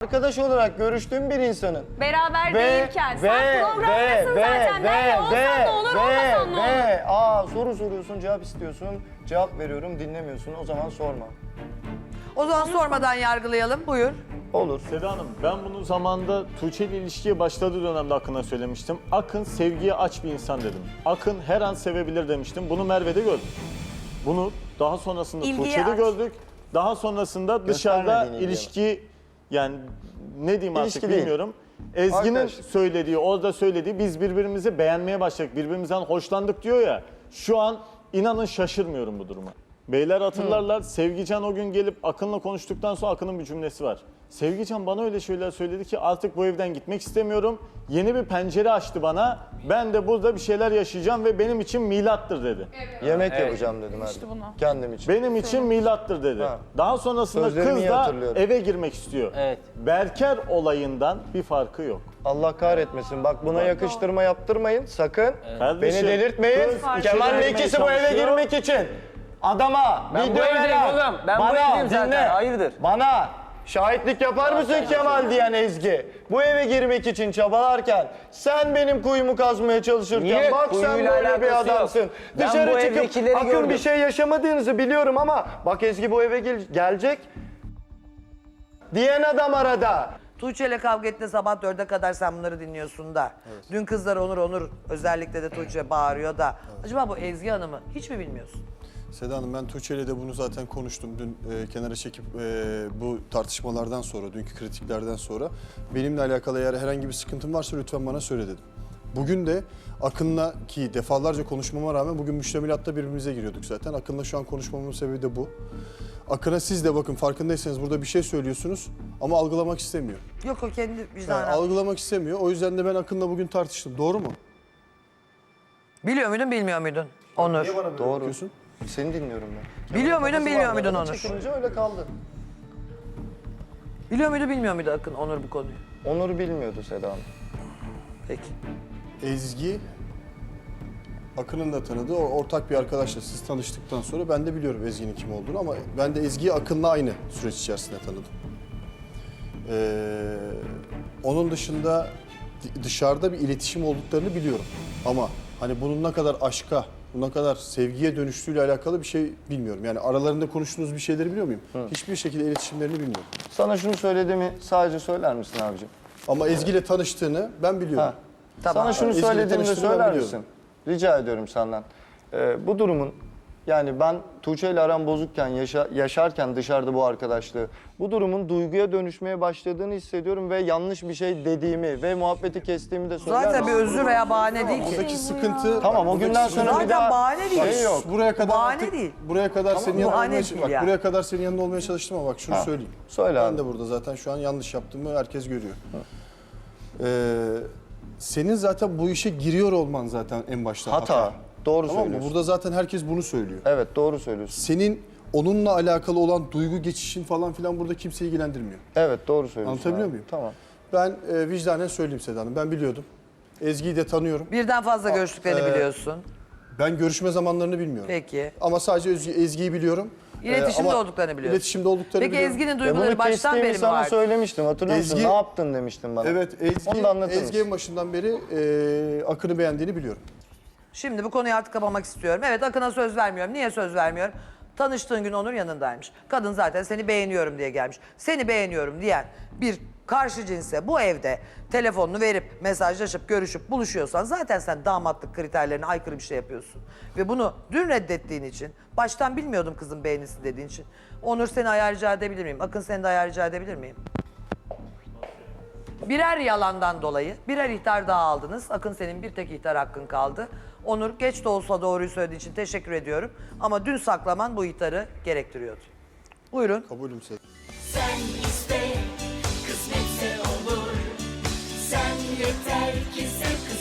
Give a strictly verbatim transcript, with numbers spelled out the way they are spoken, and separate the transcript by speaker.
Speaker 1: arkadaş olarak görüştüğüm bir insanın.
Speaker 2: Beraber
Speaker 1: Ve,
Speaker 2: değilken.
Speaker 1: ve,
Speaker 2: Sen programdasın
Speaker 1: ve,
Speaker 2: zaten.
Speaker 1: ve,
Speaker 2: Benle olsan
Speaker 1: ve,
Speaker 2: ne olur,
Speaker 1: ve,
Speaker 2: olmasan ne olur.
Speaker 1: ve, aa soru soruyorsun, cevap istiyorsun, cevap veriyorum, dinlemiyorsun. O zaman sorma.
Speaker 3: O zaman sormadan yargılayalım. Buyur.
Speaker 1: Olur.
Speaker 4: Seda Hanım, ben bunu zamanında Tuğçe ile ilişkiye başladığı dönemde Akın'a söylemiştim. Akın sevgiye aç bir insan dedim. Akın her an sevebilir demiştim. Bunu Merve'de gördük. Bunu daha sonrasında
Speaker 2: İlgiye
Speaker 4: Tuğçe'de
Speaker 2: aç.
Speaker 4: gördük. Daha sonrasında dışarıda
Speaker 1: Göstermediğin
Speaker 4: ilişki, yani ne diyeyim
Speaker 1: İlişki
Speaker 4: artık
Speaker 1: değil.
Speaker 4: bilmiyorum. Ezgi'nin
Speaker 1: Arkadaşlık.
Speaker 4: söylediği, orada söylediği, biz birbirimizi beğenmeye başladık, birbirimizden hoşlandık diyor ya. Şu an inanın şaşırmıyorum bu duruma. Beyler hatırlarlar, Sevgican o gün gelip Akın'la konuştuktan sonra Akın'ın bir cümlesi var. Sevgican bana öyle şeyler söyledi ki artık bu evden gitmek istemiyorum. Yeni bir pencere açtı bana. Ben de burada bir şeyler yaşayacağım ve benim için milattır dedi.
Speaker 1: Yemek yapacağım dedim Erdem. Kendim için.
Speaker 4: Benim için milattır dedi.
Speaker 1: Ha.
Speaker 4: Daha sonrasında
Speaker 1: Sözlerimi
Speaker 4: kız
Speaker 1: iyi
Speaker 4: da
Speaker 1: hatırlıyorum.
Speaker 4: eve girmek istiyor.
Speaker 5: Evet.
Speaker 4: Berker olayından bir farkı yok.
Speaker 1: Allah kahretmesin. Bak buna yakıştırma yaptırmayın sakın.
Speaker 4: Kardeşim,
Speaker 1: Beni delirtmeyin.
Speaker 4: kız bir şey
Speaker 1: Kemal'le
Speaker 4: demeye
Speaker 1: ikisi bu eve
Speaker 4: çalışıyor.
Speaker 1: girmek için. Adama
Speaker 5: Ben
Speaker 1: bir
Speaker 5: bu
Speaker 1: döver
Speaker 5: evdeyim
Speaker 1: al.
Speaker 5: oğlum. Ben bu
Speaker 1: Bana
Speaker 5: evdeyim zaten.
Speaker 1: dinle.
Speaker 5: Hayırdır?
Speaker 1: Bana şahitlik yapar mısın Kemal diyen Ezgi? Bu eve girmek için çabalarken sen benim kuyumu kazmaya çalışırken
Speaker 5: Niye?
Speaker 1: bak sen
Speaker 5: Kuyuyla
Speaker 1: böyle bir
Speaker 5: alakası yok.
Speaker 1: adamsın.
Speaker 5: Ben
Speaker 1: Dışarı
Speaker 5: bu
Speaker 1: çıkıp
Speaker 5: evdekileri
Speaker 1: Akın
Speaker 5: gördüm.
Speaker 1: bir şey yaşamadığınızı biliyorum ama bak Ezgi bu eve gel- gelecek diyen adam arada.
Speaker 3: Tuğçe ile kavga ettiğinde sabah dörde kadar sen bunları dinliyorsun da. Dün kızlar Onur Onur özellikle de Tuğçe bağırıyor da. Acaba bu Ezgi Hanım'ı hiç mi bilmiyorsun?
Speaker 6: Seda Hanım, ben Tuğçe ile de bunu zaten konuştum. Dün e, kenara çekip e, bu tartışmalardan sonra, dünkü kritiklerden sonra benimle alakalı eğer herhangi bir sıkıntım varsa lütfen bana söyle dedim. Bugün de Akın'la, ki defalarca konuşmama rağmen bugün müştemilatta birbirimize giriyorduk zaten. Akın'la şu an konuşmamın sebebi de bu. Akın'a siz de bakın farkındaysanız burada bir şey söylüyorsunuz ama algılamak istemiyor.
Speaker 3: Yok o kendi
Speaker 6: Yani
Speaker 3: vicdanı.
Speaker 6: algılamak istemiyor. O yüzden de ben Akın'la bugün tartıştım. Doğru mu?
Speaker 3: Biliyor muydun bilmiyor muydun Onur?
Speaker 1: Doğru.
Speaker 6: Bakıyorsun.
Speaker 1: Seni dinliyorum ben.
Speaker 3: Biliyor muydun
Speaker 1: Kafası
Speaker 3: bilmiyor
Speaker 1: var,
Speaker 3: muydun
Speaker 1: arada
Speaker 3: Onur?
Speaker 1: çekilince öyle kaldı.
Speaker 3: Biliyor muydu bilmiyor muydu Akın Onur bu konuyu?
Speaker 1: Onur bilmiyordu Seda Hanım.
Speaker 3: Peki.
Speaker 6: Ezgi, Akın'ın da tanıdığı o- ortak bir arkadaşla siz tanıştıktan sonra ben de biliyorum Ezgi'nin kim olduğunu ama ben de Ezgi'yi Akın'la aynı süreç içerisinde tanıdım. Ee, onun dışında di- dışarıda bir iletişim olduklarını biliyorum ama hani bunun ne kadar aşka, ne kadar sevgiye dönüştüğüyle alakalı bir şey bilmiyorum. Yani aralarında konuştuğunuz bir şeyleri biliyor muyum? Hiçbir şekilde iletişimlerini bilmiyorum.
Speaker 1: Sana şunu söylediğimi sadece söyler misin abicim?
Speaker 6: Ama Ezgi ile tanıştığını ben biliyorum.
Speaker 1: Ha.
Speaker 3: Tamam.
Speaker 1: Sana şunu
Speaker 6: Ezgi'yle
Speaker 1: söylediğimde
Speaker 6: tanıştığını ben
Speaker 1: söyler
Speaker 6: biliyorum.
Speaker 1: misin? Rica ediyorum senden. Ee, bu durumun yani ben Tuğçe ile aram bozukken, yaşa- yaşarken dışarıda bu arkadaşlığı, bu durumun duyguya dönüşmeye başladığını hissediyorum ve yanlış bir şey dediğimi ve muhabbeti kestiğimi de söyler
Speaker 3: Zaten bir
Speaker 1: misin?
Speaker 3: özür veya bahane değil ki.
Speaker 6: Buradaki sıkıntı...
Speaker 1: Tamam o
Speaker 6: buradaki
Speaker 1: günden
Speaker 6: sıkıntı-
Speaker 1: sonra bir
Speaker 3: Zaten
Speaker 1: daha
Speaker 3: bahane değil.
Speaker 1: şey yok.
Speaker 6: Buraya kadar
Speaker 3: bahane
Speaker 6: artık-
Speaker 3: değil.
Speaker 6: Buraya kadar senin yanında
Speaker 3: bahane
Speaker 6: olmaya
Speaker 3: değil
Speaker 6: bak
Speaker 3: ya.
Speaker 6: buraya kadar senin yanında olmaya çalıştım ama bak şunu
Speaker 1: Ha,
Speaker 6: söyleyeyim.
Speaker 1: söyle
Speaker 6: ben
Speaker 1: abi.
Speaker 6: de burada zaten şu an yanlış yaptığımı herkes görüyor. Ee, senin zaten bu işe giriyor olman zaten en başta hata.
Speaker 1: Hata. Doğru
Speaker 6: Tamam mı?
Speaker 1: söylüyorsun.
Speaker 6: Burada zaten herkes bunu söylüyor.
Speaker 1: Evet doğru söylüyorsun.
Speaker 6: Senin onunla alakalı olan duygu geçişin falan filan burada kimseyi ilgilendirmiyor.
Speaker 1: Evet doğru söylüyorsun.
Speaker 6: Anlatabiliyor
Speaker 1: abi.
Speaker 6: muyum?
Speaker 1: Tamam.
Speaker 6: Ben e, vicdanen söyleyeyim Seda Hanım. Ben biliyordum. Ezgi'yi de tanıyorum.
Speaker 3: Birden fazla görüştüklerini
Speaker 6: e,
Speaker 3: biliyorsun.
Speaker 6: Ben görüşme zamanlarını bilmiyorum.
Speaker 3: Peki.
Speaker 6: Ama sadece Ezgi, Ezgi'yi biliyorum.
Speaker 3: İletişimde
Speaker 6: ama
Speaker 3: olduklarını biliyorsun.
Speaker 6: İletişimde olduklarını
Speaker 3: Peki
Speaker 6: biliyorum.
Speaker 3: Ezgi'nin
Speaker 1: Ve
Speaker 3: duyguları
Speaker 1: bunu
Speaker 3: baştan beri
Speaker 1: kestiğimi
Speaker 3: mi
Speaker 1: sana
Speaker 3: vardı?
Speaker 1: söylemiştim hatırlıyor musun?
Speaker 6: Ezgi-
Speaker 1: Ne yaptın demiştin bana.
Speaker 6: Evet, Ezgi,
Speaker 1: Onu da anlatır
Speaker 6: Ezgi
Speaker 1: mısın?
Speaker 6: en başından beri e, Akın'ı beğendiğini biliyorum.
Speaker 3: Şimdi bu konuyu artık kapamak istiyorum. Evet Akın'a söz vermiyorum. Niye söz vermiyorum? Tanıştığın gün Onur yanındaymış. Kadın zaten seni beğeniyorum diye gelmiş. Seni beğeniyorum diyen bir karşı cinse bu evde telefonunu verip mesajlaşıp görüşüp buluşuyorsan zaten sen damatlık kriterlerine aykırı bir şey yapıyorsun. Ve bunu dün reddettiğin için, baştan bilmiyordum kızın beğenisi dediğin için. Onur seni ayar rica edebilir miyim? Akın seni de ayar rica edebilir miyim? Birer yalandan dolayı birer ihtar daha aldınız. Akın senin bir tek ihtar hakkın kaldı. Onur geç de olsa doğruyu söylediği için teşekkür ediyorum. Ama dün saklaman bu ihtarı gerektiriyordu. Buyurun.
Speaker 6: Kabulüm Seda.
Speaker 7: Sen iste, kısmetse olur. Sen yeter ki sev, kısmet.